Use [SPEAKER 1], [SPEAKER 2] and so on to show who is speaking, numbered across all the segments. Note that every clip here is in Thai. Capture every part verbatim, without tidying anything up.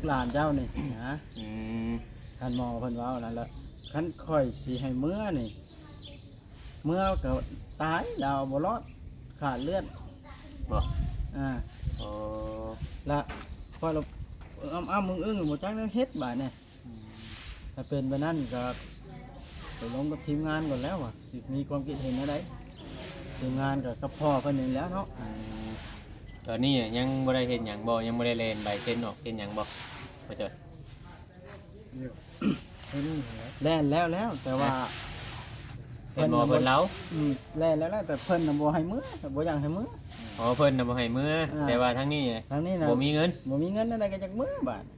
[SPEAKER 1] หลานเจ้านี่นะ
[SPEAKER 2] อืม
[SPEAKER 1] ท่านหมอเพิ่นเว้านั่นแหละคันค่อยสิให้เมื่อนี่เมื่อก็ตายดาวบ่รอดขาดเลือด
[SPEAKER 2] บ่
[SPEAKER 1] อ่า
[SPEAKER 2] โอ้
[SPEAKER 1] ละพอเราอ้ำอ้ำมึงอึ้งบ่จักแนวเฮ็ดบาดเนี่ยถ้าเป็นแบบนั้นก็ไปลงกับทีมงานก่อนแล้วว่ะสิมีความคิดเห็นอะไรทีมงานกับกับพ่อเพิ่นนี่แหล้วเนาะ
[SPEAKER 2] อืมตอนนี้ยังบ่ได้เฮ็ดหยังบ่ยังบ่ได้เล่นใบเซ็นออกเฮ็ดหยังบ่บ่จ้อย
[SPEAKER 1] แล่นแล้วแล้วแต่ว่า
[SPEAKER 2] เพิ่นบ่เพิ่นเล้า
[SPEAKER 1] อืมแล่นแล้วแล้วแต่เพิ่นน่ะบ่ให้มื้อบ่อยากให้มื้อ
[SPEAKER 2] อ๋อเพิ่นน่ะบ่ให้มื้อ
[SPEAKER 1] อ่า
[SPEAKER 2] แต่ว่าทางนี้
[SPEAKER 1] ทางนี้น่ะ
[SPEAKER 2] บ่มีเงิน
[SPEAKER 1] บ่มีเงินอะไรก็จักมื้อบาด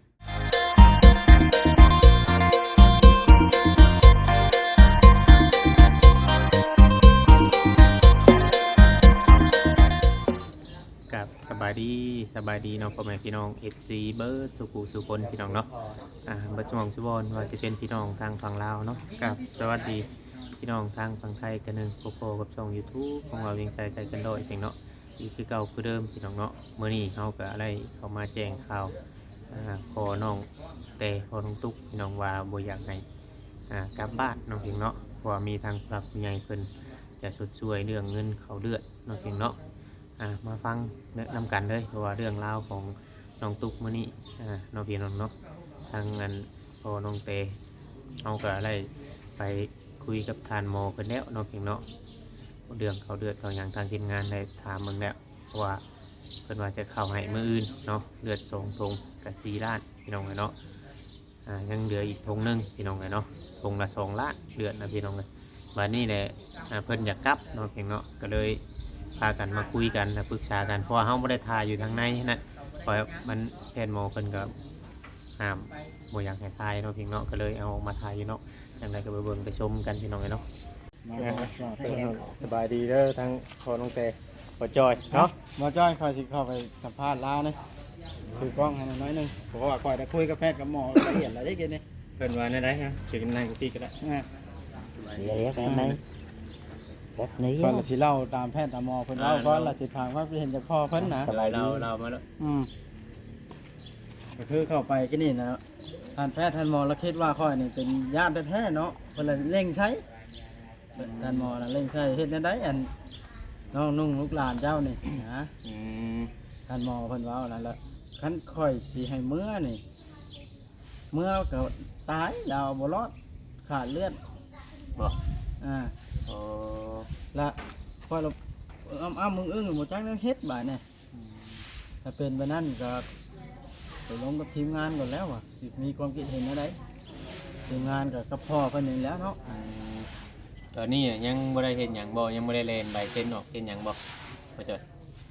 [SPEAKER 2] กับสบายดีสบายดีเนาะพ่อแม่พี่น้อง เอฟ ซี เบิร์ดสุขุสุคนพี่น้องเนาะอ่าบัดจมองชุบอนว่าจะเป็นพี่น้องทางฝั่งลาวเนาะกับสวัสดีพี่น้องทางฝั่งไทยกันหนึงโปโปกับช่อง YouTube ของเราเวียงใจใจกันโดยเพียงเนาะอีกคือเก่าคือเดิมพี่น้องเนาะมื้อนี้เฮาก็อะไรเข้ามาแจ้งข่าวอ่าขอน้องแต่ขอน้องตุ๊กพี่น้องว่าบ่อยากให้อ่ากลับบ้านเนาะเพียงเนาะเพราะว่ามีทางผู้หลักผู้ใหญ่เพิ่นจะชดช่วยเรื่องเงินเขาเดือดเนาะเพียงเนาะ อ่ามาฟังแนะนำกันเลยเพราะว่าเรื่องราวของน้องตุ๊กมื้อนี้อ่าน้องพี่น้องเนาะทางงานพอน้องเตเอาก็ได้ไปคุยกับทานหมอกันแล้วน้องพี่เนาะเรื่องเขาเดือดเขาอย่างทางทีมงานได้ถามมึงแล้วเพราะว่าเพิ่นว่าจะเข้าให้มื้ออื่นเนาะเลือดสองทงกับสี่ล้านพี่น้องเลยเนาะอ่ายังเหลืออีกทงหนึงพี่น้องเลยเนาะทงละสองล้านเลือดนะพี่น้องเลยวันนี้แหละอ่าเพิ่นอยากกลับน้องพี่เนาะก็เลยพากันมาคุยกันนะปรึกษากันเพราะว่าเฮาบ่ได้ทายอยู่ทางในนะเพราะมันแพทย์หมอเพิ่นก็ห้ามบ่อยากให้ทายเนาะพี่เนาะก็เลยเอาออกมาทายอยู่เนาะจังไดก็ไปเบิ่งไปชมกันพี่น้องเนาะสบายดีเด้อทั้งพอน้องเตพอจอยเนาะ
[SPEAKER 1] บ่จ้อยค่อยสิเข้าไปสัมภาษณ์ลาวนี่คือกล้องให้หน่อยหนึงเพราะว่าค่อยได้คุยกับแพทย์กับหมอละเอียดละเอียดนี่
[SPEAKER 2] เพิ่นว่าได้ได้ฮะสินั่งที่ก็ได้
[SPEAKER 1] อ่า
[SPEAKER 3] เดี๋ยวเรียกแบบไหนแบบนี้
[SPEAKER 1] ก่อนละสิเล่าตามแพทย์ตามหมอเพิ่นเล่าก่อนละสิถามความคิดเห็นจากพ่อเพิ่นนะ
[SPEAKER 2] เราเรามาแล้ว
[SPEAKER 1] อืมก็คือเข้าไปก็นี่นะท่านแพทย์ท่านหมอเราคิดว่าข้อยนี่เป็นญาติแท้ๆเนาะเพิ่นเลยเร่งใช้ท่านหมอน่ะเร่งใช้เฮ็ดแนวใดอันน้องนุ่งลูกหลานเจ้านี่นะ
[SPEAKER 2] อืม
[SPEAKER 1] ท่านหมอเพิ่นเว้านั่นแหละคันค่อยสิให้เมื่อนี่เมื่อก็ตายดาวบ่รอดขาดเลือด
[SPEAKER 2] บ่
[SPEAKER 1] อ่า
[SPEAKER 2] โอ้
[SPEAKER 1] ละพอเราอ้ำอ้ำมึงอึ้งบ่จักแนวเฮ็ดบาดเนี่ยถ้าเป็นแบบนั้นก็ไปลงกับทีมงานก่อนแล้วว่ะสิมีความคิดเห็นอะไรทีมงานกับกับพ่อเพิ่นนี่แหล้วเนาะ
[SPEAKER 2] อืมตอนนี้ยังบ่ได้เฮ็ดหยังบ่ยังบ่ได้เล่นใบเซ็นออกเฮ็ดหยังบ่บ่จ้อย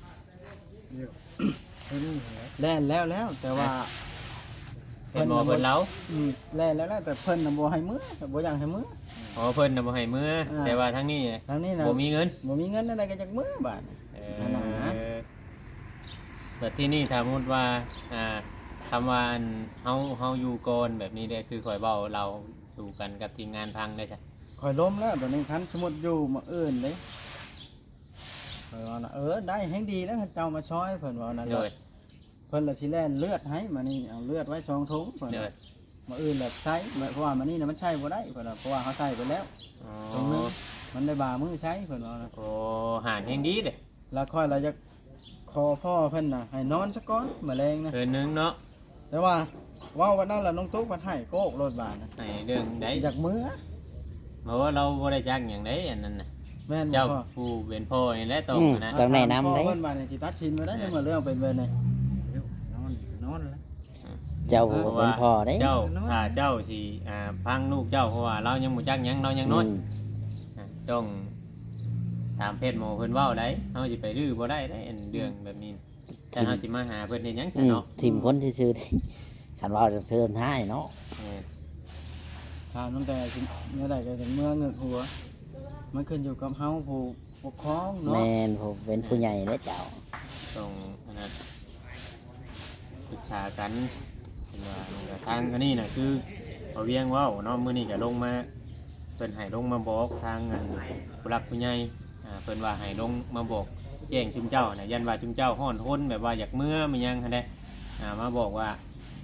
[SPEAKER 1] แล่นแล้วแล้วแต่ว่า
[SPEAKER 2] เพิ่นบ่เพิ่นเล้า
[SPEAKER 1] อืมแล่นแล้วแล้วแต่เพิ่นน่ะบ่ให้มื้อบ่อยากให้มื้อ
[SPEAKER 2] อ๋อเพิ่นน่ะบ่ให้มื้ออา แต่ว่าทางนี้
[SPEAKER 1] ทางนี้น่ะ
[SPEAKER 2] บ่มีเงิน
[SPEAKER 1] บ่มีเงินอะไรก็จักมื้อบาด
[SPEAKER 2] เอ
[SPEAKER 1] นั่นน่ะ
[SPEAKER 2] อแบบที่นี่ถ้าสมมุติว่าอ่าคำว่าอันเฮาเฮาอยู่ก่อนแบบนี้เด้คือข่อยเว้าเราสู่กันกับทีมงานพังได้จ้ะ
[SPEAKER 1] ข่อยล้มแล้วตอนนี้คันสมมุติอยู่มาเอิ้นเด้ข่อยว่าน่ะเออได้แฮงดีแล้วเจ้ามาช่วยเพิ่นว่านั่น
[SPEAKER 2] โด
[SPEAKER 1] แห
[SPEAKER 2] ย
[SPEAKER 1] ละเพิ่นละสิแล่นเลือดให้มานี่เอาเลือดไว้สองถุงเพิ่น
[SPEAKER 2] โด
[SPEAKER 1] ว่าย มาอื่นแบบใช้เพราะว่ามันนี่นะมันใช้บ่ได้เพิ่นว่าเพราะว่าเขาใช้ไปแล้ว
[SPEAKER 2] อ๋อ
[SPEAKER 1] ตรงนึงมันได้บามือใช้เพิ่นว่านะ
[SPEAKER 2] โอ้หารแห่งดีเด้
[SPEAKER 1] แล้วค่อยเราจะขอพ่อเพิ่นน่ะให้นอนซะก่อนแมลงนะ
[SPEAKER 2] เพิ่นนึงเนาะ
[SPEAKER 1] แต่ว่าเว้าวันนั้นล่ะน้องตุ๊กเพิ่นให้โกกรถบาดนะ
[SPEAKER 2] ให้เรื่องใด
[SPEAKER 1] อยากมือ
[SPEAKER 2] เพราะว่าเราบ่ได้จักหยังใดอันนั้นน่ะ
[SPEAKER 1] แม่นบ่
[SPEAKER 2] เจ้า
[SPEAKER 1] พ่อ
[SPEAKER 2] ผู้เป็นพ่อนี่แหละต้องนะ
[SPEAKER 3] ต้องแนะนำ
[SPEAKER 1] พ่อ
[SPEAKER 3] ได้
[SPEAKER 1] เพิ่นบาดนี่สิตัดชินไว้ได้จังว่าเรื่องเป็นเบิ่นนี่
[SPEAKER 4] นอนนอนแล้ว
[SPEAKER 3] เจ้า
[SPEAKER 2] เพราะ
[SPEAKER 3] เป็
[SPEAKER 2] ว่าน
[SPEAKER 3] พ่อได้
[SPEAKER 2] เจ้าถ้าเจ้าสิอ่าพังลูกเจ้าเพราะว่าเรายังบ่จักหยังเรายังน้อย
[SPEAKER 3] อืม
[SPEAKER 2] อ่าต้องตามเพศหมอเพิ่นเว้าได้เฮาสิไปรื้อบ่ได้ได้อันเรื่องแบบนี้แต่เฮาสิมาหาเพิ่นเฮ็ดหยัง
[SPEAKER 3] อื
[SPEAKER 2] ซะ
[SPEAKER 3] ม
[SPEAKER 2] เนาะ
[SPEAKER 3] ทีมคนที่ซื้อได้ฉันว่าจะเพิ่มให้เนาะ
[SPEAKER 2] เออ
[SPEAKER 1] ถามตั้งแต่สิเมื่อใดก็ถึงเมื่อเงึกหัว มันขึ้นอยู่กับเฮาผู้ปกครอง
[SPEAKER 3] แม
[SPEAKER 1] เนาะ
[SPEAKER 3] นผมเป็นผู้ใหญ่และเจ้า
[SPEAKER 2] ต้องอันนั้นปรึกษากันเพิ่นว่านี่ก็ทางอันนี้น่ะคือเอาเวียงเว้าเนาะมื้อนี้ก็ลงมาเพิ่นให้ลงมาบอกทางอันผู้หลักผู้ใหญ่อ่าเพิ่นว่าให้ลงมาบอกแจ้งชุมเจ้าน่ะยันว่าชุมเจ้าฮ้อนทนแบบว่าอยากเมื่อมันยังหั่นแหละอ่ามาบอกว่า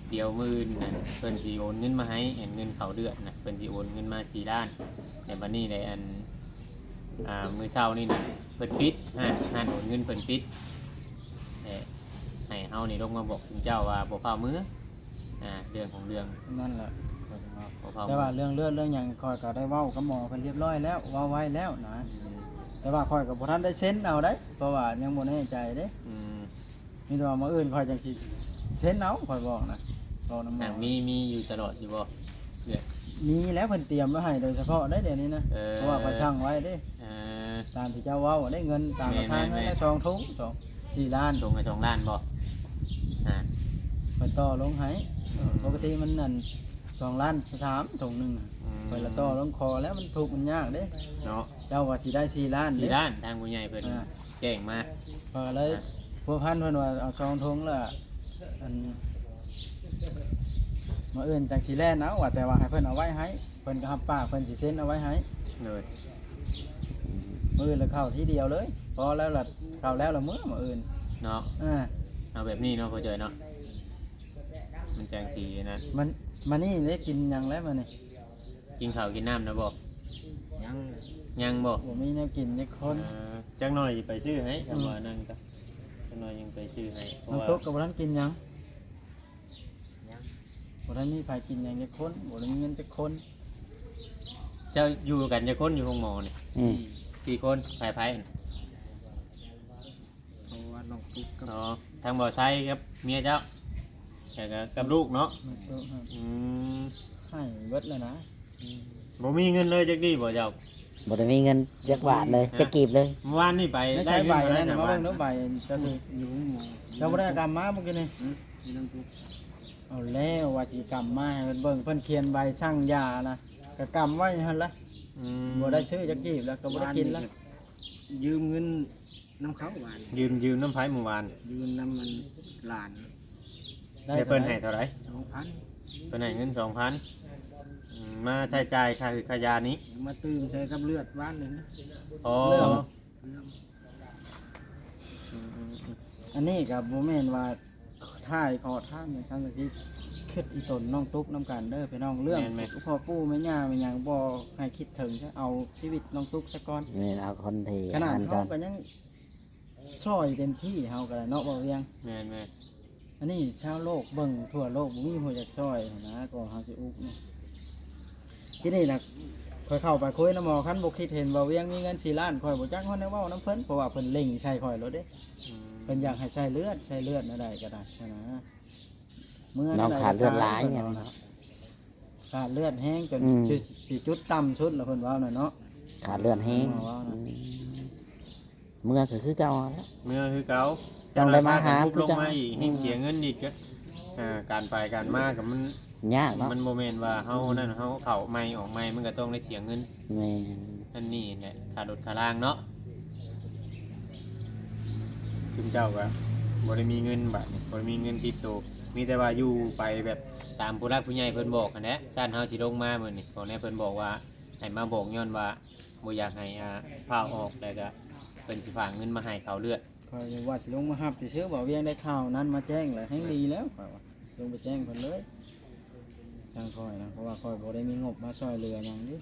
[SPEAKER 2] เดี๋ยวมื้อน่ะเพิ่นสิโอนเงินมาให้เห็นเงินเข้าเดือนน่ะเพิ่นสิโอนเงินมาสี่ล้านแต่บัดนี้ได้อันอ่ามื้อเช้านี่น่ะเพิ่นปิดห้านห้านโอนเงินเพิ่นปิดแต่ให้เฮานี่ลงมาบอกคุณเจ้าว่าบ่พามื้ออ่าเรื่องของเรื่อง
[SPEAKER 1] นั่นแหละข้อยก็ว่า
[SPEAKER 2] บ่พา
[SPEAKER 1] แต่ว่าเรื่องเลือดเรื่องหยังคอยก็ได้เว้ากับหมอเพิ่นเรียบร้อยแล้วเว้าไว้แล้วนะแต่ว่าคอยก็บ่ทันได้เซ็นเอาได้เพราะว่ายังบ่แน่ใจเด้
[SPEAKER 2] อืม
[SPEAKER 1] มีแต่ว่ามื้ออื่นคอยจังสิเซ็นเอาคอยบอกนะบอกนำหม
[SPEAKER 2] อ่า
[SPEAKER 1] อ
[SPEAKER 2] มีมีอยู่ตลอดอยู่บ่เดือน
[SPEAKER 1] มีแล้วเพิ่นเตรียมไว้ให้โดยเฉพาะได้เดี๋ยวนี้นะ
[SPEAKER 2] เออ
[SPEAKER 1] เพราะว่าคอยช่างไว้เด้
[SPEAKER 2] อ่า
[SPEAKER 1] ตามที่เจ้าเว้าได้เงินตามราคา
[SPEAKER 2] แม่
[SPEAKER 1] เงิ
[SPEAKER 2] น
[SPEAKER 1] น
[SPEAKER 2] ๆๆ
[SPEAKER 1] ได้สองถุงสองสี่ล้าน
[SPEAKER 2] ตรงกับสองล้านบ่อ่า
[SPEAKER 1] เพิ่นต่อลงให้ปกติมันนั่นสองล้านสามถุงหนึงน่ะ
[SPEAKER 2] อืม
[SPEAKER 1] เพิ่นละต่อลงคอแล้วมันถูกมันยากเด้
[SPEAKER 2] เนาะ
[SPEAKER 1] เจ้าว่าสิได้สี่ล้าน
[SPEAKER 2] สี่
[SPEAKER 1] เด้
[SPEAKER 2] ล้านทางผู้ใหญ่เพิ่น
[SPEAKER 1] อ่า
[SPEAKER 2] แจ้งมา
[SPEAKER 1] พอเลยพวกพันเพิ่นว่าเอาซองทงและอันมาเอื่นจากสีแลนเอาว่าแต่ว่าให้เพิ่นเอาไว้ให้เพิ่นก็รับปากเพิ่นสิเซ็นเอาไว้ให้
[SPEAKER 2] เลย
[SPEAKER 1] มื้ออื่นแล้วเข้าทีเดียวเลยพอแล้วล่ะเข้าแล้วละมื้อมื้ออื่น
[SPEAKER 2] เนาะ
[SPEAKER 1] อ่า
[SPEAKER 2] เอาแบบนี้เนาะพ่อเจยเนาะมันจังสีนะ
[SPEAKER 1] มันมานี่ได้กินหยังแล้วมื้อนี้
[SPEAKER 2] กินข้าวกินน้ำนะบ่
[SPEAKER 4] ยัง
[SPEAKER 2] ยังบ่
[SPEAKER 1] บ่มีแนวกินจักคน
[SPEAKER 2] เออจักหน่อยไปชื่อให้คำว่านั่นก็จักหน่อยยังไปชื่อให้เพราะ
[SPEAKER 1] น้ำ
[SPEAKER 2] ว่า
[SPEAKER 1] ตกก็บ่ทันกินหยัง
[SPEAKER 4] ยัง
[SPEAKER 1] บ่ทันมีไผกินหยังจักคนบ่ได้มีเงินจักคน
[SPEAKER 2] เจ้าอยู่กันจะคนอยู่ห้องหมอนี่
[SPEAKER 3] อืม
[SPEAKER 2] สี่คนไผ่ไผ่น่ะ
[SPEAKER 4] เพราะว่าน้องตุ๊กกับ
[SPEAKER 2] เนาะทางบ่อไซครับเมียเจ้าแต่ก็กับลูกเนาะ
[SPEAKER 1] น้ำตกครับ
[SPEAKER 2] อืม
[SPEAKER 1] ให้เบิดแล้วนะ
[SPEAKER 2] บ่มีเงินเลยจักดีบ่เจ้า
[SPEAKER 3] บ่ได้มีเงินจักบาทเลยจักกีบเลย
[SPEAKER 2] เมื่อวานนี่ไป
[SPEAKER 1] ไม่
[SPEAKER 2] ได้
[SPEAKER 1] ใช่ใบ
[SPEAKER 2] เงิน
[SPEAKER 1] นั่น
[SPEAKER 2] มา
[SPEAKER 1] มา
[SPEAKER 2] ได้
[SPEAKER 1] เบิ่ง
[SPEAKER 2] จาก
[SPEAKER 1] เด้อใบ
[SPEAKER 2] บ้าน
[SPEAKER 1] เจ้านี่
[SPEAKER 4] อยู่หมู่
[SPEAKER 1] เจ้าบ่ได้กรรมมาเมื่อกี้นี่
[SPEAKER 4] อืมมีน้องตุ๊ก
[SPEAKER 1] เอาแล้วว่าสิกรรมมาให้เพิ่นเบิ่งเพิ่นเขียนใบสั่งยานะก็กรรมไว้หั่นละ
[SPEAKER 2] อืม
[SPEAKER 1] บ่ได้ซื้อจักกีบแล้วก็บ่ได้กินแล้ว
[SPEAKER 4] ยืมเงินน้ำเขาหวาน
[SPEAKER 2] ยืมยืมน้ำไผ่เมื่อวาน
[SPEAKER 4] ยืมน้ำมันหลาน
[SPEAKER 2] แต่เพิ่นให้เท่าไหร่
[SPEAKER 4] สองพัน
[SPEAKER 2] เพิ่นให้เงินสองพันมาใช้จ่ายค่าขายานี้
[SPEAKER 4] มาตื่มใช้กับเลือดบ้านเลยนะ
[SPEAKER 2] อ๋อ
[SPEAKER 1] เรื่อง
[SPEAKER 4] เรื่อง
[SPEAKER 1] อันนี้ก็บ่แม่นว่าท่ายขอท่านอย่างซั่นที่คิดอีตนน้องตุ๊กน้ำกันเด้อพี่น้องเรื่องพ่อปู่แม่ย่าแม่หยังบ่ให้คิดถึงซะเอาชีวิตน้องตุ๊กซะก่อน
[SPEAKER 3] นี่เอาคนที่
[SPEAKER 1] ขนาด
[SPEAKER 3] อันจ
[SPEAKER 1] เฮา
[SPEAKER 3] อน
[SPEAKER 1] ก็ยังช่วยเต็มที่เฮาก็ได้เนาะบ่เวียง
[SPEAKER 2] แม่นแม่น
[SPEAKER 1] อันนี้ชาวโลกเบิ่งทั่วโลกบ่มีผู้อยากช่วยนะก็เฮาสิอุกนี่ที่นี่น่ะค่อยเข้าไปคุยนำหมอคันบ่คิดเห็นว่าเวียงมีเงินสี่ล้านค่อยบ่จักฮอดแนวเว้านํเพิ่นเพราะว่าเพิ่นเล็งใช้ค่อยแล้วเด้
[SPEAKER 2] อืม
[SPEAKER 1] เพิ่นอยากให้ใช้เลือดใช้เลือดอะไรก็ได้นะเมื่อ
[SPEAKER 3] น้อง
[SPEAKER 1] ใ
[SPEAKER 3] ขาดเลือดหลายไง
[SPEAKER 1] เนาะขาดเลือดแห้งจน
[SPEAKER 3] อืม
[SPEAKER 1] จุดสิจุดต่ำสุดแล้วเพิ่นว่าน่ะเนาะ
[SPEAKER 3] ขาดเลือดแห้ง
[SPEAKER 1] อ๋อ
[SPEAKER 3] อืมเมื่อก็คือเก่าแล้ว
[SPEAKER 2] เมื่อคือเก่า
[SPEAKER 3] ต้องได้มาหา
[SPEAKER 2] ทุบ
[SPEAKER 3] คือ
[SPEAKER 2] ลง
[SPEAKER 3] เก่า
[SPEAKER 2] มาอีกให้เสียเงินอีกก็อ่าการไปการมากับมัน
[SPEAKER 3] ยากเนาะ
[SPEAKER 2] มันโมเมนต์ว่าเฮานั่นเฮาเข้าไม่ออกไม่มันก็ต้องได้เสียเงิน
[SPEAKER 3] แม่น
[SPEAKER 2] นั่นนี่แหละขาดรถขาล่างเนาะคุณเจ้าก็บ่ได้มีเงินบาดนี้บ่ได้มีเงินติดตัวมีแต่ว่าอยู่ไปแบบตามผู้รักผู้ใหญ่เพิ่นบอกกันแหละชาติเฮาสิลงมามื้อนี้บอกแน่เพิ่นบอกว่าให้มาบอกย้อนว่าบ่อยากให้อ่าพาออกแล้วก็เพิ่นสิฝากเงินมาให้เขาเลือด
[SPEAKER 1] คอยว่าสิลงมาฮับสิเชื่อบ่เวียงได้ข่าวนั้นมาแจ้งแล้วให้ดีแล้วข้อยว่าลงไปแจ้งเพิ่นเลยทางคอยนะเพราะว่าคอยบ่ได้มีงบมาช่วยเหลือหยังดิ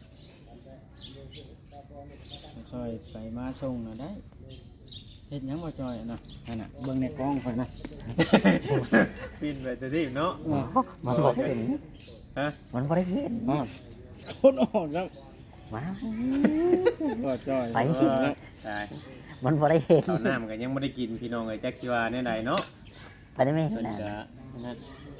[SPEAKER 1] ช่วยไปมาส่งน่ะได้เฮ็ดหยังบ่จอยน่ะนั่นน่ะเบิ่งในกล้องข่อยนะ
[SPEAKER 2] ปินไปแต่ที่เนาะ
[SPEAKER 3] มันบ่เห็น
[SPEAKER 2] ฮะ
[SPEAKER 3] มันบ่ได้เห็น
[SPEAKER 1] อ้าวคนออกแล้ว
[SPEAKER 3] มา
[SPEAKER 1] บ่จอย
[SPEAKER 3] ไป
[SPEAKER 2] เออตาย
[SPEAKER 3] มันบ่ได้เห็น
[SPEAKER 2] ข้าวน้ำก็ยังบ่ได้กินพี่น้องเอ้ยจักสิว่าแนวใดเนาะ
[SPEAKER 3] ไปได้ไหม
[SPEAKER 2] เพิ่น
[SPEAKER 3] น่ะ
[SPEAKER 2] ก็นั่น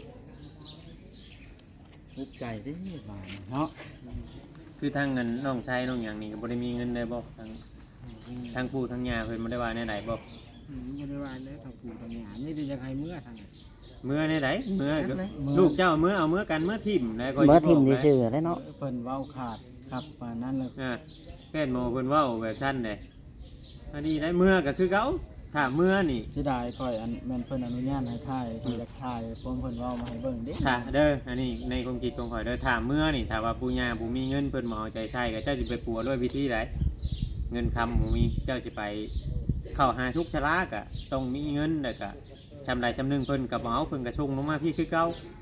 [SPEAKER 1] นึกใจเด้บาดเนาะ
[SPEAKER 2] คือทางเงินน้องชายน้องหยังนี่ก็บ่ได้มีเงินได้บ่ทางทางปู่ทางย่าเพิ่นบ่ได้ว่าแนวใดบ่
[SPEAKER 4] อืมบริวารเลยทางปู่ทางหยานี่จะใครเมื่อทางไหน
[SPEAKER 2] เมื่อแนวใดเมื่อก็ลูกเจ้าเมื่อเอาเมื่อกันเมื่อทิ่มนะก็
[SPEAKER 3] เมื่อทิม
[SPEAKER 2] สิ
[SPEAKER 3] ที่
[SPEAKER 2] บอกนะ
[SPEAKER 3] ชื่อได้เนาะ
[SPEAKER 1] เพิ่นเว้าขาดครับปานนั้นเลย
[SPEAKER 2] อ่าแม่นโมเพิ่นเว้าแบบซั่นเด้อันนี้ได้เมื่อก็คือเก่าถ้าเมื่อนี่
[SPEAKER 1] สิได้ค่อยอันแม่นเพิ่นอนุญาตให้ถ่ายที่อยากถ่ายผมเพิ่นเว้ามาให้เบิ่งเด้
[SPEAKER 2] ถ้าเด้ออันนี้ในความคิดของข่อยเด้อถ้าเมื่อนี่ถ้าว่าปู่ย่าบ่มีเงินเพิ่นบ่เอาใจใช้ก็เจ้าสิไปปัวด้วยวิธีใดเงินคำบ่มีเจ้าสิไปเข้าหาทุกชะลาก็ต้องมีเงินแล้วก็ชำใดชำหนึงเพิ่นก็บ่เอาเพิ่นก็ส่งลงมาพี่คือเก่า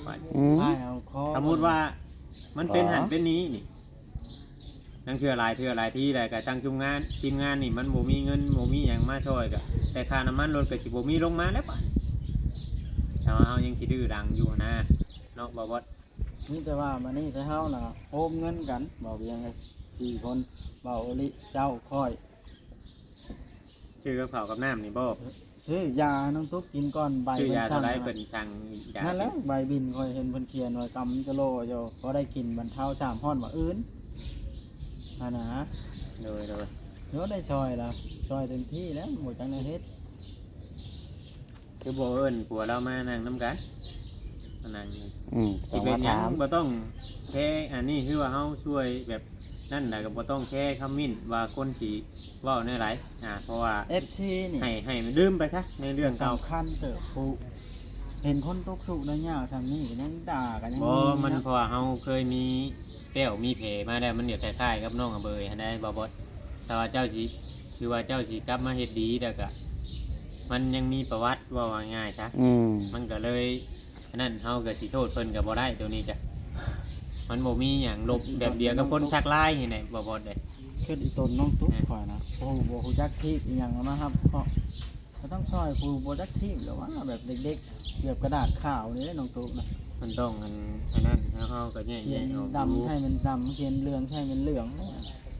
[SPEAKER 2] ว่า
[SPEAKER 3] อืม
[SPEAKER 1] พายเอาคอ
[SPEAKER 2] สมมุติว่ามันเป็น
[SPEAKER 3] อ๋อ
[SPEAKER 2] หันเป็นนี้นี่นั่นคืออะไรคืออะไรที่ใดก็ตั้งจุงงานทีมงานนี่มันบ่มีเงินบ่มีหยังมาช่วยก็แต่ค่าน้ำมันรถก็สิบ่มีลงมาแล้วป่ะแต่ว่าเฮายังสิดื้อดังอยู่นะเนาะบ่บ่
[SPEAKER 1] นี่แต่ว่ามานี่แต่เฮาน่ะโอมเงินกันบอกยังไงสี่คนเบาอลิเจ้าค่อย
[SPEAKER 2] ชื่อกับข้าวกับน้ำนี่บ่
[SPEAKER 1] ซื้อยาน้องตุ๊กกินก่อนใบ
[SPEAKER 2] ชื่อยา
[SPEAKER 1] สั่
[SPEAKER 2] เท่าง ไรเพิ่นสั่งยา
[SPEAKER 1] นั่นแหละใบบินคอยเห็นเพิ่นเขียนไว้กำจะโลอยู่พอได้กินบรรเทาสามห้อนว่าอื่นอันนะ
[SPEAKER 2] โดยโดย
[SPEAKER 1] เดี๋ยวได้ซอยแล้วซอยเต็มที่แล้วหมดจังได้เฮ็ด
[SPEAKER 2] คือบ่เอิ้นผัวเรามานั่งนํกันมานั่ง
[SPEAKER 3] อืมส
[SPEAKER 2] สิ
[SPEAKER 3] อง
[SPEAKER 2] เป็
[SPEAKER 3] มาน
[SPEAKER 2] หยั
[SPEAKER 3] ถาง ม
[SPEAKER 2] บ่ต้องแค่อันนี้คือว่าเฮาช่วยแบบนั่นน่ะก็บ่ต้องแค่คำมิ้นว่าคนสิเว้าในหลายอ่าเพราะว่า
[SPEAKER 1] เอฟซีนี่
[SPEAKER 2] ให้ให้มันลืมไปซะในเรื่องเก่า
[SPEAKER 1] สำคัญเติบผู้เห็นคนตกสุกได้ยากซำนี้ก็ยังด่ากันยัง
[SPEAKER 2] บ่มันเพราะว่าเฮาเคยมีแป้วมีเพมาแล้วมันเดี๋ยวคล้ายๆกับน้องอเบยหันได้บ่บ่แต่ว่าเจ้าสิคือว่าเจ้าสิกลับมาเฮ็ดดีแต่ก็มันยังมีประวัติว่าว่าง่ายซะ
[SPEAKER 3] อืม
[SPEAKER 2] มันก็เลยอันนั้นเฮาก็สิโทษเพิ่นก็บ่ได้ตัวนี้จ้ะมันบ่มีหยังลบแบบเดียวกับคนชักลายนี่แหละบ่บ่ได้
[SPEAKER 1] คืออีตนน้องตุ๊กข่อยนะโอ้โหบ่ฮู้จักทีบอีหยังนะครับเพราะก็ต้องซอยผู้บ่จักทีบหรือว่าแบบเด็กๆเกือบกระดาษขาวนี่แหละน้องตุ๊กนะ
[SPEAKER 2] มันต้องอันอันนั้นแล้วเฮาก็แยก
[SPEAKER 1] เขียน
[SPEAKER 2] ๆออก
[SPEAKER 1] ดำให้มันดำเขียนเหลืองให้มันเหลืองเนี่ย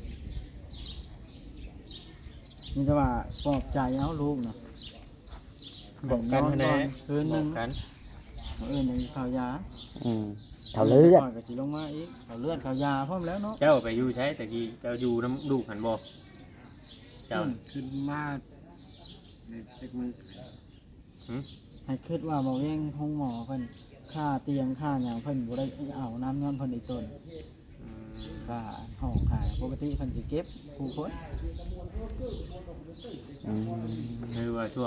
[SPEAKER 1] นี่แต่ว่าปลอบใจเอาลูกนะ
[SPEAKER 2] บอกกัน
[SPEAKER 1] นอน
[SPEAKER 2] แน่
[SPEAKER 1] ก่อนคืนหนึง
[SPEAKER 2] บอกกัน
[SPEAKER 1] มื้ออื่นยังข่าวยา
[SPEAKER 3] อืมเท่าเลือด
[SPEAKER 1] ก่อนก็สิลงมาอีกข่าวเลือดข่าวยาพร้อมแล้วเนาะ
[SPEAKER 2] เจ้าไปอยู่ใช้ตะกี้เจ้าอยู่น้ำลูกหันบ่เจ้า
[SPEAKER 4] ขึ้นมาในเล็กมือ
[SPEAKER 2] หึ
[SPEAKER 1] ให้คิดว่าบ่แย่งห้องหมอเพิ่นค่าเตียงค่าหยังเพิ่นบ่ได้เอาน้ำย้อนเพิ่นอีกต้น
[SPEAKER 2] อืม
[SPEAKER 1] ค่าห้องค่าปกติเพิ่นสิเก็บผู้คน
[SPEAKER 3] อืม
[SPEAKER 2] คือว่าช่วง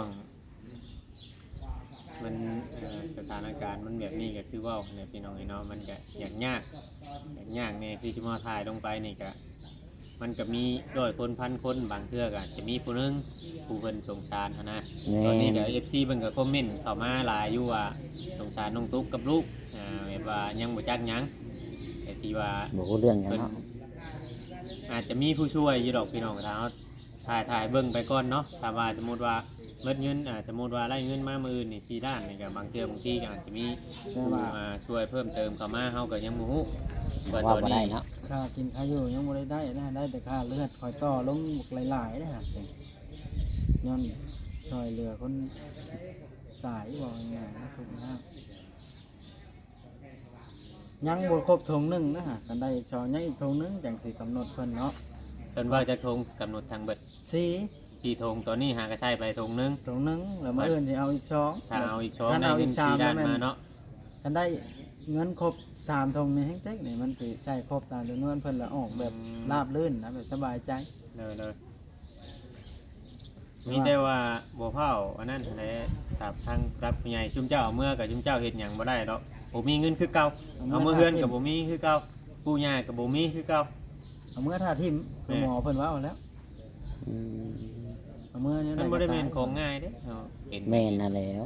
[SPEAKER 2] มันเอ่อสถานการณ์มันแบบนี้ก็คือว่าเนี่ยพี่น้องไอ้เนาะมันก็อย่างยากอย่างยากเนี่ยที่จะมาถ่ายลงไปนี่ก็มันก็มีร้อยคนพันคนบางเทื่อก็จะมีผู้หนึงผู้เพิ่นสงสารหั้นนะ
[SPEAKER 3] แม่
[SPEAKER 2] ตอนนี้
[SPEAKER 3] น
[SPEAKER 2] ก็ เอฟ ซี เพิ่นก็คอมเมนต์เข้ามาหลายอยู่ว่าสงสารน้องตุ๊กกับลูกอ่าแบบว่ายังบ่จักหยังแต่ที่ว่า
[SPEAKER 3] บ่รู้เรื่องหยัง
[SPEAKER 2] เพิ่น
[SPEAKER 3] เนาะ
[SPEAKER 2] อาจจะมีผู้ช่วยอยู่ดอกพี่น้องถ้าเราถ่ายถ่ายเบิ่งไปก่อนเนาะถ้าว่าสมมุติว่าเบิดเงินอ่าสมมุติว่าได้เงินมามื้อนี่สี่ด้านนี่ก็บางเทื่อบางทีก็อาจจะมีผู้มาช่วยเพิ่มเติมเข้ามาเฮาก็ยังบ่ฮู้
[SPEAKER 3] ว่า
[SPEAKER 2] ว่าต
[SPEAKER 3] บ่
[SPEAKER 2] อน
[SPEAKER 3] ได้
[SPEAKER 2] นี้
[SPEAKER 3] เนาะ
[SPEAKER 1] ค่ากินค่าอยู่ยังบ่ได้ได้นะได้แต่ค่าเลือดคอยต่อลงหลายๆนะครับย้อนซอยเหลือคนตายบอกง่ายๆนะถูกนะยังบ่ครบทงหนึงนะฮะกันได้ซอยยังอีกทงหนึงจังสิกำหนดเพิ่นเนาะ
[SPEAKER 2] เพิ่นว่าจะทงกำหนดทางเบิด
[SPEAKER 1] สี่
[SPEAKER 2] สี่ทงตอนนี้หากระใช้ไปทงหนึง
[SPEAKER 1] ทงหนึงแล้วมื้ออื่นสิเอาอีกสอง
[SPEAKER 2] ถ้าเอาอีกสอง
[SPEAKER 1] ถ้า
[SPEAKER 2] ได้
[SPEAKER 1] เอา
[SPEAKER 2] เงิ
[SPEAKER 1] อี
[SPEAKER 2] น
[SPEAKER 1] กสา
[SPEAKER 2] สี่
[SPEAKER 1] ม
[SPEAKER 2] ด้าน
[SPEAKER 1] แม่น
[SPEAKER 2] มาเนาะ
[SPEAKER 1] กันได้เงินครบสามทงในแห่งเต็กนี่มันสิใช้ครบตามจำนวนเพิ่นแล้วออกแบบราบรื่นนะแบบสบายใจ
[SPEAKER 2] เลยเลยมีแต่ว่าบ่เผาอันนั้นแหละครับทางรับผู้ใหญ่จุมเจ้าเอาเมื่อกับจุมเจ้าเฮ็ดหยังบ่ได้ดอกบ่มีเงินคือเก่าเอามื่อเฮือนกับบ่มีคือเก่าปู่ย่ากับบ่มีคือเก่า
[SPEAKER 1] เอามื่อท่าทิมคือหมอเพิ่นว่าเอาแล้ว
[SPEAKER 3] อืม
[SPEAKER 1] เอามื่อนี้
[SPEAKER 2] มันบ่ได้แม่นของง่ายเด้เนาะเป็น
[SPEAKER 3] แม่นน่ะแล้ว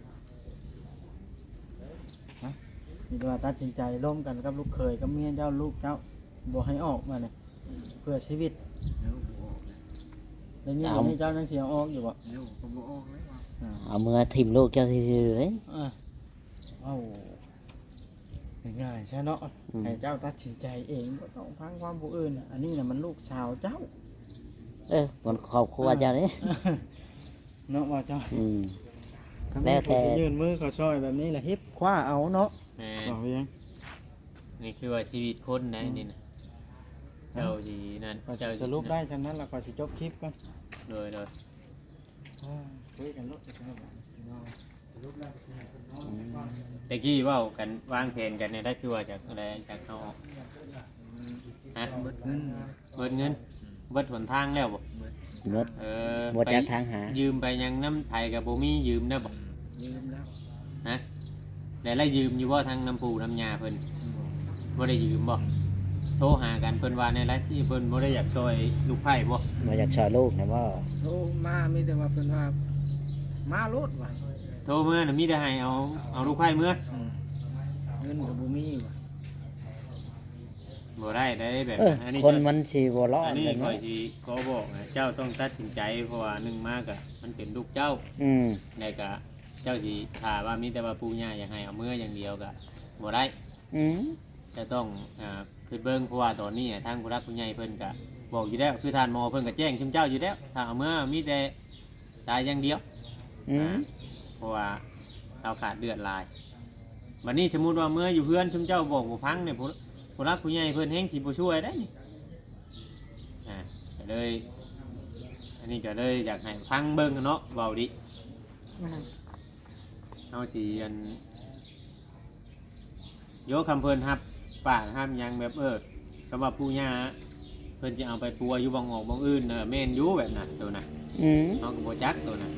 [SPEAKER 1] มีแต่ว่าตัดสินใจร่วมกันกับลูกเคยกับเมียเจ้าลูกเจ้าบ่ให้ออกมาเนี่ยเพื่อชีวิต
[SPEAKER 4] แล้วบ่ออก
[SPEAKER 1] แล้วนี่เดี๋ยวนี้เจ้ายังเสียออกอยู่บ่
[SPEAKER 4] แล้วก็บ่ออกเลยว่า
[SPEAKER 1] อ่า
[SPEAKER 3] เอามือทิ่มลูกเจ้าซื่อๆเลย
[SPEAKER 1] อ่าเอ้าง่ายๆใช่เนาะ
[SPEAKER 3] อืม
[SPEAKER 1] ให้เจ้าตัดสินใจเองบ่ต้องฟังความผู้อื่น อันนี้น่ะมันลูกสาวเจ้า
[SPEAKER 3] เออคนครอบครัวเจ้าเด้
[SPEAKER 1] เนาะว่าเจ้า
[SPEAKER 3] อืม
[SPEAKER 1] ถ้า
[SPEAKER 3] แล้วแต่
[SPEAKER 1] ผู้ที่ยื่นมือเขาซอยแบบนี้แหละฮิปคว้าเอาเนาะ
[SPEAKER 2] แม่
[SPEAKER 1] บอกยัง
[SPEAKER 2] นี่คือว่าชีวิตคนนะนี่นะเจ้าสินั่น
[SPEAKER 1] ก็
[SPEAKER 2] เจ้า
[SPEAKER 1] สรุปได้ฉะนั้นแล้วก็สิจบคลิปกัน
[SPEAKER 2] โดยโดย
[SPEAKER 1] อ่าคุยกันเนาะสรุปได้
[SPEAKER 2] ตะกี้เว้ากันวางแผนกันเนี่ยได้คือว่าจากอะไรจากเอาออกฮะ
[SPEAKER 4] เบิดเงิน
[SPEAKER 2] เบิดเงินเบิดหนทางแล้วบ่
[SPEAKER 3] หมด
[SPEAKER 2] เออ
[SPEAKER 3] บ่จักทางหา
[SPEAKER 2] ยืมไปยังน้ำไทยกับโบมี่ยืมได้บ่
[SPEAKER 4] ยืมแล้ว
[SPEAKER 2] ฮะได้ไล่ยืมอยู่บ่ทางน้ำปูน้ำยาเพิ่นบ่ได้ยืมบ่โทรหากันเพิ่นว่าในไลฟ์ที่เพิ่นบ่ได้อยากช่วยลูกไผ่บ่
[SPEAKER 3] มาจากช่วยลูกนะว่า
[SPEAKER 4] โทรมามีแต่ว่าเพิ่นว่ามาโลดว่า
[SPEAKER 2] โทรเมื่อน่ะมีแต่ให้เอาเอาลูกไผ่เมื่อ
[SPEAKER 4] อืมงินก็บ่มีว่ะ
[SPEAKER 2] บ่ได้ได้แบบ
[SPEAKER 3] เออ
[SPEAKER 2] อันนี้
[SPEAKER 3] คนมันสิบ่รอ
[SPEAKER 2] อั
[SPEAKER 3] ด
[SPEAKER 2] นนี้
[SPEAKER 3] เลย
[SPEAKER 2] ข่อ
[SPEAKER 3] เนาะ
[SPEAKER 2] ยสิขอบอกนะเจ้าต้องตัดสินใจเพราะว่าหนึ่งมากอะมันเป็นลูกเจ้า
[SPEAKER 3] อืม
[SPEAKER 2] ได้ก็เจ้าสิถ้าว่ามีแต่ว่าปู่ย่าอยากให้เอามืออย่างเดียวก็บ่ได้
[SPEAKER 3] อืม
[SPEAKER 2] จะต้องอ่าคือเบิ่งเพราะว่าตอนนี้อะทางผู้รักผู้ใหญ่เพิ่นก็บอกอยู่แล้วคือทานหมอเพิ่นก็แจ้งชุมเจ้าอยู่แล้วถ้าเอามือมีแต่ตายอย่างเดียว
[SPEAKER 3] อืม
[SPEAKER 2] เพราะว่าเราขาดเดือดหลายวันนี้สมมุติว่าเมื่ออยู่เพื่อนชุมเจ้าบอกบ่ฟังเนี่ยผู้ผู้รักผู้ใหญ่เพิ่นแฮงสิบ่ช่วยได้นี่อ่าก็เลยอันนี้ก็เลยอยากให้ฟังเบิ่งเนาะเว้าดิเอาสิอันโยคำเพิ่นรับปากห้ามหยังแบบเออคำว่าปู่ย่าเพิ่นจะเอาไปปัวอยู่บ่งออกบ่งอื่นเออแม่นอยู่แบบนั้นตัวน่ะ
[SPEAKER 3] อืม
[SPEAKER 2] เฮาก็บ่จักตัวน่ะ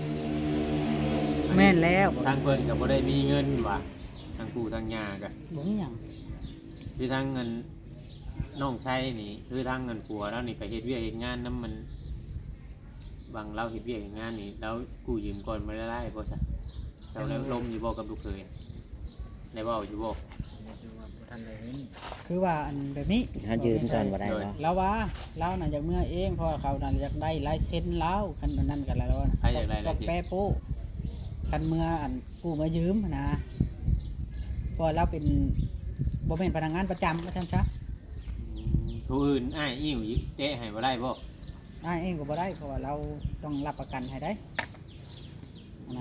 [SPEAKER 5] แม่นแล้ว
[SPEAKER 2] ทางเพิ่นก็บ่ได้มีเงินว่ะทางปู่ทางย่าก็
[SPEAKER 5] บ่มีหยัง
[SPEAKER 2] คือทางเงินน้องชายนี่คือทางเงินผัวแล้วนี่ไปเฮ็ดเวียกเฮ็ดงานนํมันบางเราเฮ็ดเวียกเฮ็ดงานนี่แล้วกู้ยืมก่อนบ่ได้ได้บ่ซะเจ้าแล้วลมอยู่บ่กับลูกเคยได้เว้าอยู่บ่
[SPEAKER 4] แต่ว่าบ่ทันได้เงิน
[SPEAKER 5] คือว่าอันแบบนี้
[SPEAKER 3] เฮายืมก่อนบ่ได้เนาะ
[SPEAKER 5] แล้วว่าเราน่ะอยากเมื่อเองเพราะว่าเขาน่ะอยากได้ลายเซ็นเราคันนั้นกันแล้วนะ
[SPEAKER 2] ใครอยากได้ลายเซ็น
[SPEAKER 5] แปะโป้คันเมื่ออันกู้มายืมนะเพราะเราเป็นบ่แม่นพนักงานประจำว่าซั่นซะ
[SPEAKER 2] อืมผู้อื่นอ้ายอิ่วยิเตะให้บ่ได้บ่
[SPEAKER 5] ได้เองก็บ่ได้เพราะว่าเราต้องรับประกันให้ได้นะ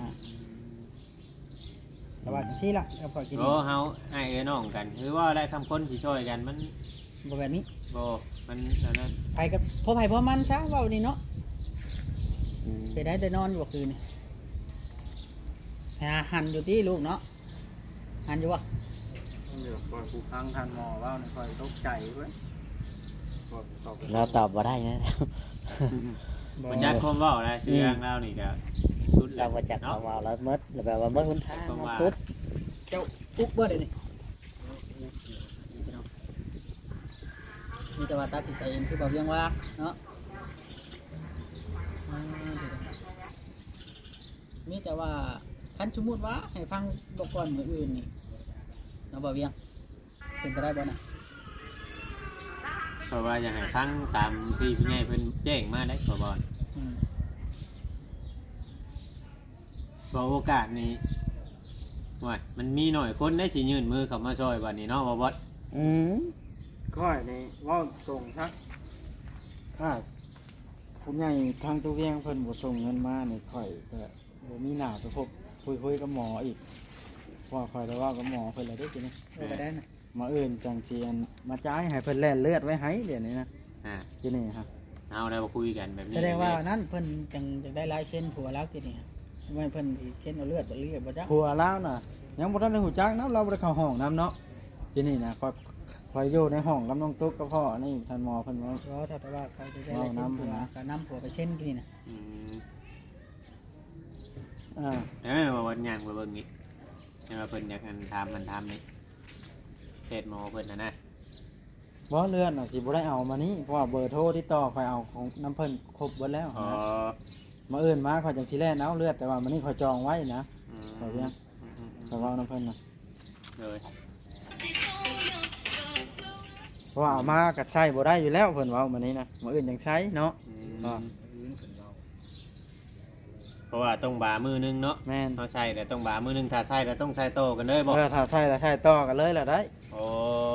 [SPEAKER 5] แต่ว่าจังซี่ล่ะก็พอกิน
[SPEAKER 2] โอ้เฮาอ้ายเอ้ยน้องกันคือว่าได้คำคนสิช่วยกันมัน
[SPEAKER 5] บ่แบบนี้
[SPEAKER 2] บ่มันอันนั้น
[SPEAKER 5] ไปกับพ่อไผพ่อมันซะเว้านี่เนาะ
[SPEAKER 3] อืม
[SPEAKER 5] ไปได้ได้นอนอยู่บ่คืนนี่หาหันอยู่ที่ลูกเนาะหันอยู่บ่
[SPEAKER 1] เดี๋ยวคอยผู้ฟังทานหมอเว่านี่คอยตกใจเว้ยคอยตอบไป
[SPEAKER 3] เราตอบบ่ได้นะ
[SPEAKER 2] มันจักความเว้าได้คือทางเรานี่ก็สุดแล้
[SPEAKER 3] เรา
[SPEAKER 2] ว
[SPEAKER 3] บ่จัก
[SPEAKER 2] เนาะ
[SPEAKER 3] คำว่าเราหมดแล้วแบบว่าหมดหนทาง
[SPEAKER 2] เพราะว่า
[SPEAKER 3] สุด
[SPEAKER 5] เจ้าปุ๊กเบิดเลยนี่มีแต่ว่าตัดสินใจเองคือบอกยังว่าเนาะอ่าเดี๋ยวๆมีแต่ว่าคันสมมุติว่าให้ฟังบอกก่อนมืออื่นนี่เราบอกยังเป็นไปได้บ่นะ
[SPEAKER 2] เพราะว่าอยากให้ฟังตามที่ผู้ใหญ่เพิ่นแจ้งมาได้ขอบ่
[SPEAKER 5] อืม
[SPEAKER 2] เพราะโอกาสนี้ว่ามันมีหน่อยคนได้สิยื่นมือเข้ามาช่วยบัดนี้เนาะบ่บอส
[SPEAKER 3] อืม
[SPEAKER 1] ค่อยนี่เว่าตรงซักถ้าผู้ใหญ่ทางตัวเวียงเพิ่นบ่ส่งเงินมานี่ค่อยก็บ่มีหน้าไปพบคุยคุยกับหมออีกเพราะว่าค่อยได้เว่ากับหมอเพิ่นแล้วเด้อทีนี้
[SPEAKER 5] เป็นไปได้นะ
[SPEAKER 1] มาเอื่นจังเจียนมาจ่ายให้เพิ่นแล่นเลือดไว้ให้เดี๋ยวนี้นะ
[SPEAKER 2] อ่า
[SPEAKER 1] ทีนี้ครับ
[SPEAKER 2] เอาได้มาคุยกันแบบนี้
[SPEAKER 5] แสดงว่านั่นเพิ่นจังจะได้ลายเส้นผัวแล้วทีนี้ไม่เพิ่นสิเส้นเอาเลือดบ่เลือดบ่จ้ะ
[SPEAKER 1] ผัวลาวน่ะยังบ่ทันได้หูจักนํเราบ่ได้เข้าห้องนํเนาะทีนี้นะคอยคอยอยู่ในห้องกับน้องตุ๊กกับพ่อนี่ท่านหมอเพิ่นว่า
[SPEAKER 5] เพราะแต่ว่าเขาจะได้ลายเส้นผัวก็นำผัวไปเส้นนี่นะ
[SPEAKER 2] อืม
[SPEAKER 1] อ่า
[SPEAKER 2] เอ้ยว่าวันย่างไปเบิ่งนี่ให้ว่าเพิ่นอยากอันถามมันถามนี่เพจหมอเพิ่นน่ะนะ
[SPEAKER 1] บ่เลือดน่ะสิบ่ได้เอามานี้เพราะว่าเบอร์โทรที่ต่อคอยเอาของน้ำเพิ่นครบเบิดแล้ว
[SPEAKER 2] อ๋อ
[SPEAKER 1] นะมาเอื่นมาคอยจังสิแล่นเอาเลือดแต่ว่ามันนี่คอยจองไว้นะ
[SPEAKER 2] อืม
[SPEAKER 1] ขอเพียง
[SPEAKER 2] อืมอืมอื
[SPEAKER 1] แต่
[SPEAKER 2] ม
[SPEAKER 1] ว่าน้ำเพิ่นน่ะ
[SPEAKER 2] เลย
[SPEAKER 1] เพราะว่าเอามาก็ใช้บ่ได้อยู่แล้วเพิ่นเว้ามานี้นะมาเอื่นจังใช้เนาะ
[SPEAKER 2] อื
[SPEAKER 1] อ่า
[SPEAKER 2] ม
[SPEAKER 4] อื่นเพิ่นเว้า
[SPEAKER 2] เพราะว่าต้องบามือนึงเนาะ
[SPEAKER 1] แม่น
[SPEAKER 2] เขาใช้แต่ต้องบามือนึงถ้าใช้แล้วต้องใช้โตกันเลยบ่
[SPEAKER 1] เออถ้าใช้แล้วใช้ต่อกันเลยล่ะได้
[SPEAKER 2] โอ้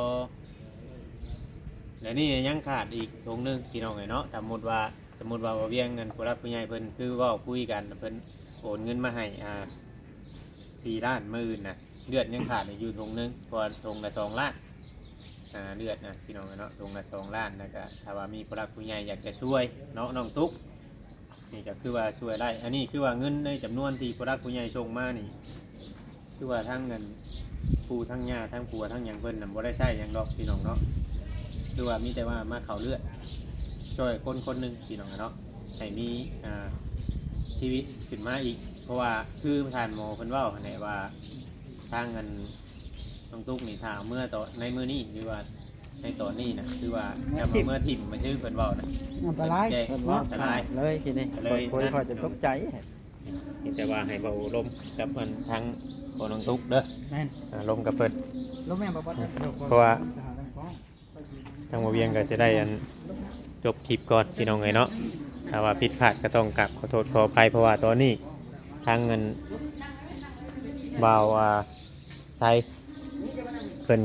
[SPEAKER 2] แล้วนี่ยังขาดอีกตรงนึงพี่น้องไงเนาะสมมติว่าสมมติว่าบ่เวียงเงินผู้รักผู้ใหญ่เพิ่นคือเว่าคุยกันเพิ่นโอนเงินมาให้อ่าสี่ล้านมื่นน่ะเลือดยังขาดอยู่ตรงนึงเพอตรงละสองล้านอ่าเลือดนะพี่น้องไงเนาะตรงละสองล้านนะก็ถ้าว่ามีผู้รักผู้ใหญ่อยากจะช่วยเนาะน้องตุ๊กนี่ก็คือว่าช่วยได้อันนี้คือว่าเงินในจำนวนที่ผู้รักผู้ใหญ่ส่งมานี่คือว่าทั้งเงินปูทั้งยาทั้งปัวทั้งหยังเพิ่นน่ะบ่ได้ใช้หยังดอกพี่น้องเนาะ คือว่ามีแต่ว่ามาเขาเลือดช่วยคนคนหนึ่งพี่น้องเนาะให้มีอ่าชีวิตขึ้นมาอีก เพราะว่าคือทานหมอเพิ่นเว่าไหนว่าทางเงินต้องตุกนี่ถ้าเอาเมื่อต่อในมือนี้หรือว่าในตอนนี้นะคือว่าจะมาเมื่อถิ่มมาชื่อเพิ่นเว่านะ
[SPEAKER 5] อันตราย
[SPEAKER 2] แจ้ง
[SPEAKER 1] เพิ่นเว่า
[SPEAKER 2] อันตราย
[SPEAKER 1] เลยทีนี้
[SPEAKER 2] เลย
[SPEAKER 1] คุย
[SPEAKER 2] นั่น
[SPEAKER 1] คอยจะตกใจ
[SPEAKER 2] มีแต่ว่าให้เบาลมกับมันทั้งโคนองทุกเด้อ
[SPEAKER 5] แม่น
[SPEAKER 2] อ่าลมกับเพิ่น
[SPEAKER 5] ลมแม่นบ่บ่
[SPEAKER 2] เพราะว่าทางบ่เวียงก็จะได้อันจบคลิปก่อนพี่น้องเอ้ยเนาะถ้าว่าผิดพลาดก็ต้องกลับขอโทษขออภัยเพราะว่าตอนนี้ทางเงินบ่าวอ่าไซเพิ่น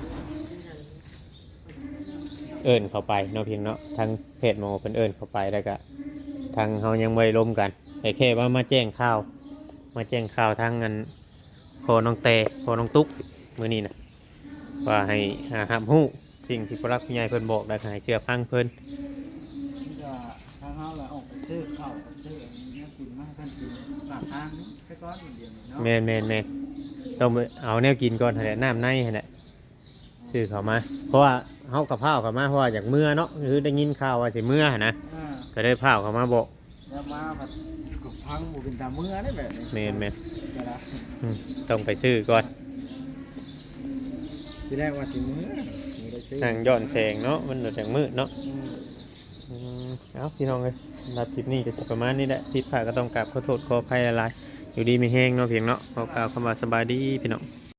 [SPEAKER 2] เอิ้นเข้าไปเนาะเพียงเนาะทางเพจหมอเพิ่นเอิ้นเข้าไปแล้วก็ทางเฮายังบ่ได้ล้มกันแต่แค่ว่ามาแจ้งข่าวมาแจ้งข่าวทางเงินพอน้องเตพอน้องตุ๊กมื้อนี้นะว่าให้หาหามฮู้สิ่งที่ผู้รักผู้ใหญ่เพิ่นบอกได้ให้เชื่อฟังเพิ่น
[SPEAKER 1] ก็ทางเฮาแหละออกไปซื้อข้าวซื้ออันนี้กินมาให้ท่านกินฝากทางนี้แค่ก้อนเดียวเนาะ
[SPEAKER 2] แม่นแม่นแม่นต้องไปเอาแนวกินก่อนหั่นแหละน้ำในหั่นแหละซื้อเข้ามา เพราะว่าเฮากับข้าวเข้ามาเพราะว่าอยากเมื่อเนาะคือได้ยินข่าวว่าสิเมื่อหั่นนะ
[SPEAKER 1] อ่า
[SPEAKER 2] ก็ได้พาเข้ามาบอก
[SPEAKER 1] แล้วมาผัดกับพังหมูเป็นตาเมื่อได้แบบนี้
[SPEAKER 2] แม่นแม่น
[SPEAKER 1] เวลา
[SPEAKER 2] อืมต้องไปซื้อก่อน
[SPEAKER 1] ที่แรกว่าสิเมื่อไม่ได้ซื้อ
[SPEAKER 2] นั่งย้อนแสงเนาะมันแสงมืดเนาะ
[SPEAKER 1] อืม
[SPEAKER 2] อืมเอาพี่น้องเลยรับคลิปนี้ก็จะประมาณนี้แหละผิดพลาดก็ต้องกราบขอโทษขออภัยหลายๆอยู่ดีไม่แห้งเนาะเพียงเนาะขอกล่าวคำว่าสบายดีพี่น้อง